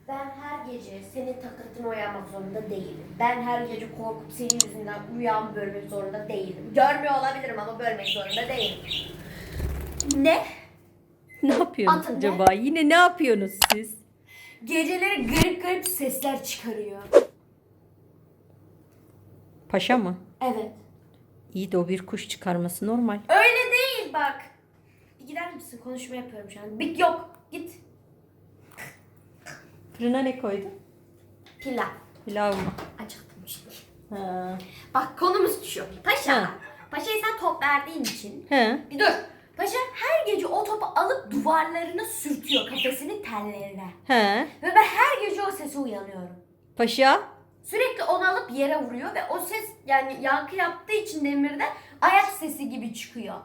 Ben her gece senin takıntına uyanmak zorunda değilim. Ben her gece korkup senin yüzünden uyan bölmek zorunda değilim. Görmüyor olabilirim ama bölmek zorunda değilim. Ne? Ne yapıyorsunuz Atın acaba? Yine ne yapıyorsunuz siz? Geceleri garip garip sesler çıkarıyor. Paşa mı? Evet. İyi de o bir kuş çıkarması normal. Öyle değil bak. Bir gider misin? Konuşma yapıyorum şu an. Bir yok. Git. Fırına ne koydun? Pilav. Pilav mı? Acıktım şimdi. Ha. Bak konumuz şu. Paşa. Ha. Paşa'ya sen top verdiğin için. He. Bir dur. Paşa her gece o topu alıp duvarlarına sürtüyor kafesinin tellerine. He. Ve ben her gece o sese uyanıyorum. Paşa. Sürekli onu alıp yere vuruyor ve o ses yani yankı yaptığı için demirde ayak sesi gibi çıkıyor.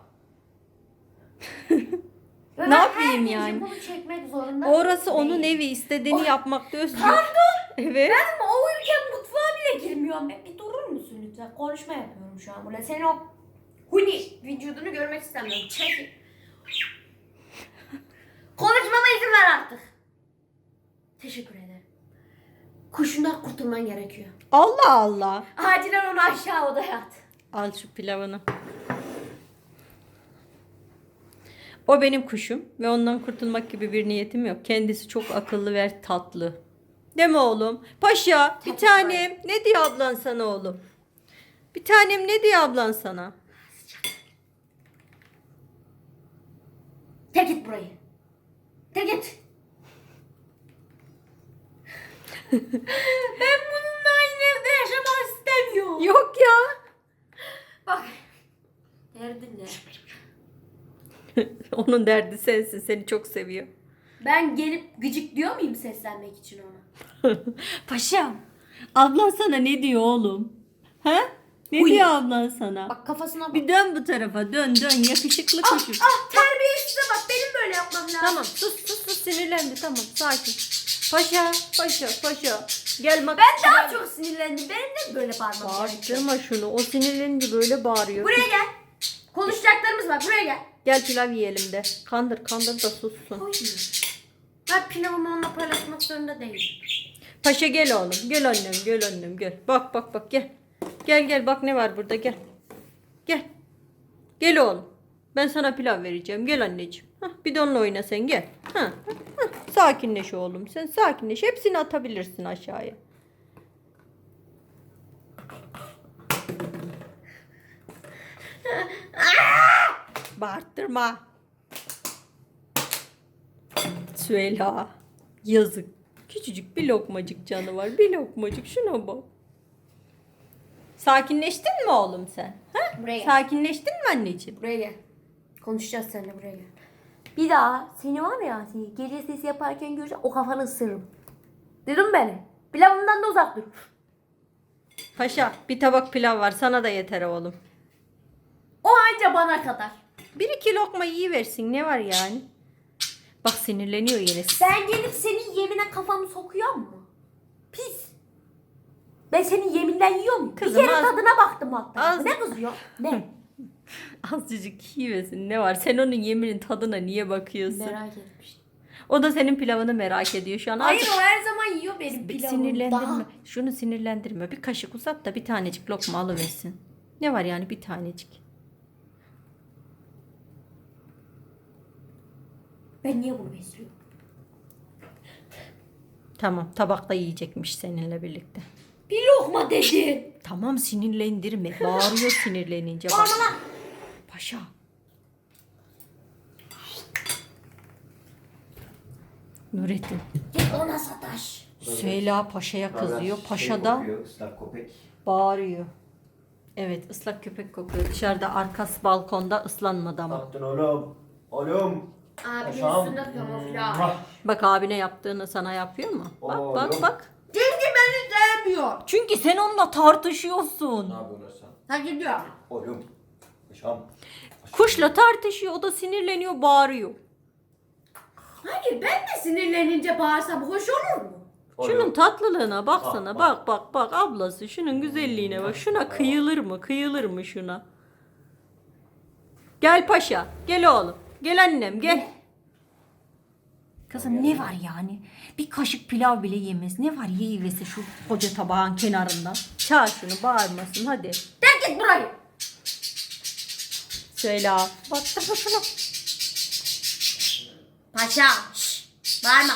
Ve Ne ben yapayım her gece yani? bunu çekmek zorunda Orası onun değilim. evi. İstediğini yapmakta özgür. Pardon. Evet. Ben ama o uyurken mutfağa bile girmiyorum. Bir durur musun lütfen? Konuşma yapıyorum şu an burada. Senin o huni vücudunu görmek istemiyorum. Çek. Konuşmama izin ver artık. Teşekkür ederim. Kuşundan kurtulman gerekiyor. Allah Allah. Acilen onu aşağı odaya at. Al şu pilavını. O benim kuşum ve ondan kurtulmak gibi bir niyetim yok. Kendisi çok akıllı ve tatlı. Değil mi oğlum? Paşa, bir Tatlı. tanem. Ne diyor ablan sana oğlum? Bir tanem ne diyor ablan sana? Tek git burayı. Tek git. Ben bununla aynı evde yaşamak istemiyorum. Yok ya. Bak. Derdin ne? Onun derdi sensin. Seni çok seviyor. Ben gelip gıcık diyor muyum seslenmek için ona? Paşam, ablan sana ne diyor oğlum? Ha? Ne Huy. diyor ablan sana? Bak kafasına bak. Bir dön bu tarafa. Dön dön. Yakışıklı kuşum. Terbiyesize bak benim böyle yapmam lazım. Tamam sus sinirlendi tamam sakin. Paşa paşa gel bak. Ben daha çok sinirlendim. Benim de böyle bağırmam gerekiyor. Bağırtırma şunu, o sinirlenince böyle bağırıyor. Buraya gel. Konuşacaklarımız var. Buraya gel. Gel pilav yiyelim de. Kandır da sussun. Hayır. Ben pilavımı onunla paylaşmak zorunda değilim. Paşa gel oğlum, gel annem gel. Bak gel. Gel bak ne var burada gel. Gel oğlum. Ben sana pilav vereceğim. Gel anneciğim. Hah, bir de onunla oyna sen gel. Hah. Sakinleş oğlum. Sen sakinleş. Hepsini atabilirsin aşağıya. Bağırtırma. Süheyla. Yazık. Küçücük bir lokmacık canı var. Bir lokmacık. Şuna bak. Sakinleştin mi oğlum sen? Ha? Buraya gel. Sakinleştin mi anneciğim? Buraya gel. Konuşacağız seninle buraya gel. Bir daha seni var ya gece sesi yaparken göreceğim o kafanı ısırırım. Duydun mu beni? Pilavımdan da uzak dur. Paşa bir tabak pilav var. Sana da yeter oğlum. O anca bana kadar. Bir iki lokma yiyiversin. Ne var yani? Bak sinirleniyor yine. Ben gelip senin yemine kafamı sokuyor mu? Pis. Ben senin yeminden yiyor muyum? Kızım, bir kere az- tadına baktım hatta. az- Ne kızıyor? Ne? Azıcık yiyiversin. Ne var? Sen onun yeminin tadına niye bakıyorsun? Merak etmiş. O da senin pilavını merak ediyor şu an. Hayır Azıcık o her zaman yiyor benim bir pilavımı. sinirlendirme. Daha. Şunu sinirlendirme. Bir kaşık uzat da bir tanecik lokma alıversin. Ne var yani bir tanecik? Ben niye bunu besliyorum? Tamam tabakta yiyecekmiş seninle birlikte. Bir lokma dedin. Tamam sinirlendirme. Bağırıyor sinirlenince. Bak. Bağırma lan. Paşa. Nurettin. Git ona sataş. Süheyla Paşa'ya kızıyor. Paşa da Islak köpek. bağırıyor. Evet ıslak köpek kokuyor. Dışarıda arkası balkonda ıslanmadı ama. Baktın oğlum. Oğlum. Abinin Paşam. üstünde kamuflaj. Mwah. Bak abine yaptığını sana yapıyor mu? Bak Oo, bak yok. bak. Çünkü beni sevmiyor. Çünkü sen onunla tartışıyorsun. Ne yapıyorsun sen? Ha gidiyor. Oğlum. Paşam. Kuşla tartışıyor. O da sinirleniyor bağırıyor. Hayır ben de sinirlenince bağırsam hoş olur mu? Şunun tatlılığına baksana. Bak, Bak ablası. Şunun güzelliğine bak. Şuna kıyılır mı? Kıyılır mı şuna? Gel paşa. Gel oğlum. Gel annem gel. Kızım ne var yani? Bir kaşık pilav bile yemez. Ne var yiyivesi şu koca tabağın kenarından. Çağır şunu bağırmasın hadi. Terk git burayı. Söyle. Bak şuna. Paşa. Şşş. Bağırma.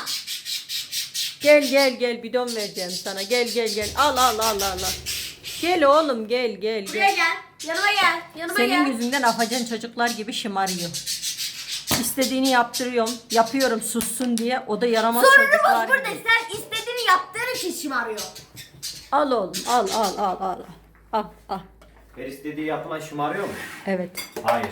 Gel bidon vereceğim sana. Gel. Al. Gel oğlum gel. Buraya gel. Yanıma gel. Yanıma Senin gel. yüzünden afacan çocuklar gibi şımarıyor. İstediğini yapıyorum sussun diye. O da yaramaz çocuklar Sorunumuz burada. gibi. Sen istediğini yaptığın için şımarıyor. Al oğlum al. Al. Her istediği yapılan şımarıyor mu? Evet. Hayır.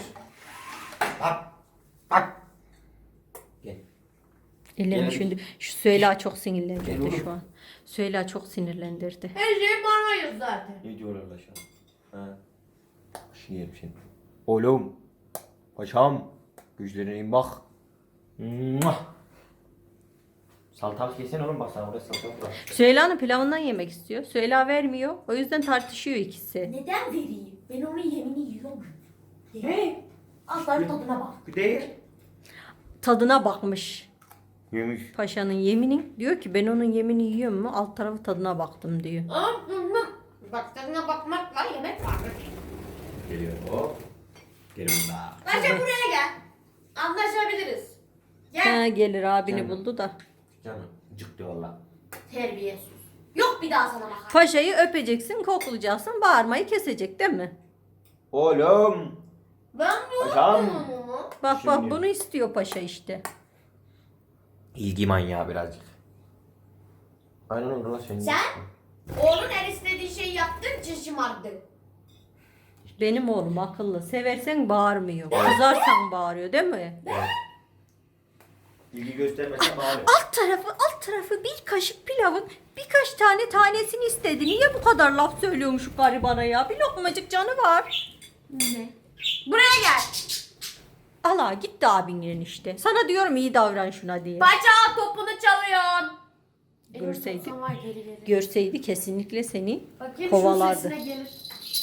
Bak. Gel. Ellerim Gel. şimdi. Şu Süheyla çok Gel sinirlendirdi oğlum. şu an. Süheyla çok sinirlendirdi. Her şeyi bağırmayız zaten. Ne diyorlar la şu an? Ha. Şimdi yerim şimdi. Oğlum. Paşam. Güçlerine in bak. Muah. Salatalık yesene oğlum, bak sana oraya salatalık var. Süheyla'nın pilavından yemek istiyor. Süheyla vermiyor. O yüzden tartışıyor ikisi. Neden vereyim? Ben onun yemini yiyorum. Ne? Aslanın tadına bak. Bir değil. Tadına bakmış. Yemiş. Paşanın yeminin. Diyor ki ben onun yemini yiyorum mu? Alt tarafı tadına baktım diyor. Bak tadına bakmakla yemek var. Geliyor hop. Gel burada. Paşa buraya gel. Anlaşabiliriz. Gel. Ha, gelir abini Canım. buldu da. Canım cık diyor valla. Terbiyesiz. Yok bir daha sana bakar. Paşayı öpeceksin, koklayacaksın, bağırmayı kesecek değil mi? Oğlum. Ben bu Paşam. Bak Şimdi. bunu istiyor paşa işte. İlgi manyağı birazcık. Aynen öyle lan senin. Sen oğlun her istediği şeyi yaptığın için şımardın. Benim oğlum akıllı. Seversen bağırmıyor. Kızarsan bağırıyor değil mi? Evet. İlgi göstermesen bağırıyor. Alt tarafı bir kaşık pilavın birkaç tanesini istedi. Niye bu kadar laf söylüyormuş şu garibana ya? Bir lokmacık canı var. Ne? Buraya gel. Allah gitti abinin işte. Sana diyorum iyi davran şuna diye. Paşa topunu çalıyorsun. Görseydi. Elini var geri geri. Görseydi kesinlikle seni Bakayım kovalardı. şu sesine gelir.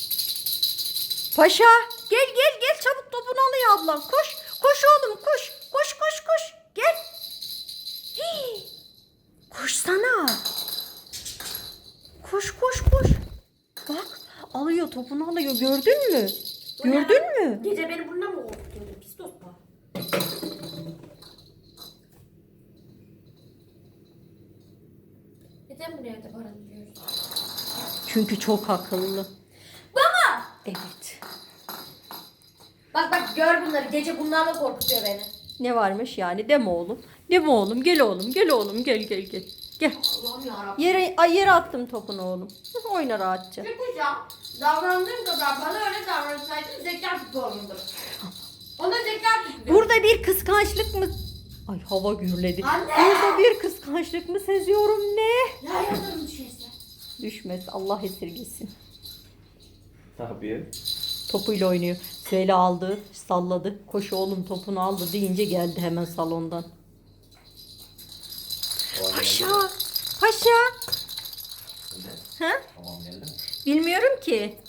Paşa gel çabuk topunu alıyor ablam. Koş oğlum koş. Koş. Gel. Hii. Koşsana. Koş. Bak alıyor topunu alıyor gördün mü? Bu ne Gördün lan? mü? Gece beni bununla mı korkutuyordu pis dostum? Neden buraya da barındırıyoruz? Çünkü çok akıllı. Baba! Evet. Bak gör bunları. Gece bunlarla korkutuyor beni. Ne varmış yani deme oğlum. Deme oğlum gel oğlum gel. Gel. Allah'ım yarabbim. Yere attım topunu oğlum. Oyna rahatça. Çıkacağım. Davrandığım kadar bana öyle davransaydın zeka tutuyorumdur. Ona zeka tutuyor. Burada bir kıskançlık mı? Ay hava gürledi. Anne! Burada bir kıskançlık mı seziyorum ne? Ya yazarım düşerse. Düşmez Allah esirgesin. Ne yapıyor? Topuyla oynuyor. Süheyla aldı, salladı. Koş oğlum topunu aldı deyince geldi hemen salondan. Paşa! Ha? Tamam geldi mi? Bilmiyorum ki.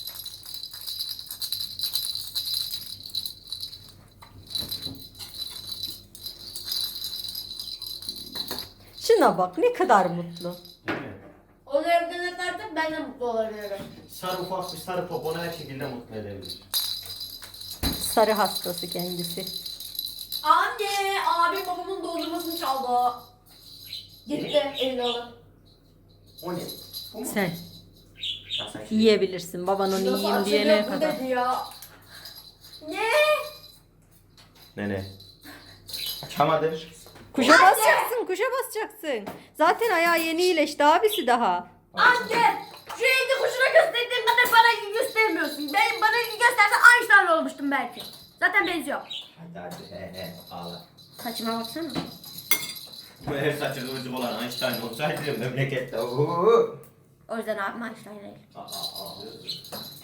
Şuna bak ne kadar mutlu. Değil mi? Onu evden atarsak ben de mutlu olabilirim. Sarı ufak bir sarı top onu her şekilde mutlu edebilir. Sarı hastası kendisi. Anne! Abim babamın dondurmasını çaldı. Gitti elini alıp. O ne? Bu mu? Sen Ya sen şimdi- yiyebilirsin. Baban onu yiyeyim diyene kadar. Dedi ya. Ne? Nene. Açamadım. Kuşa basacaksın. Zaten ayağı yeni iyileşti abisi daha. Anne! Şu evde kuşuna gösterdiğin kadar bana ilgi göstermiyorsun. Bana ilgi göstersen Einstein olmuştum belki. Zaten benziyor. Hadi he ağla. Saçıma baksana. Bu her saçı kıvırcık olan Einstein olsaydı memlekette. Oo. O yüzden abim Einstein değil. Ağlıyor.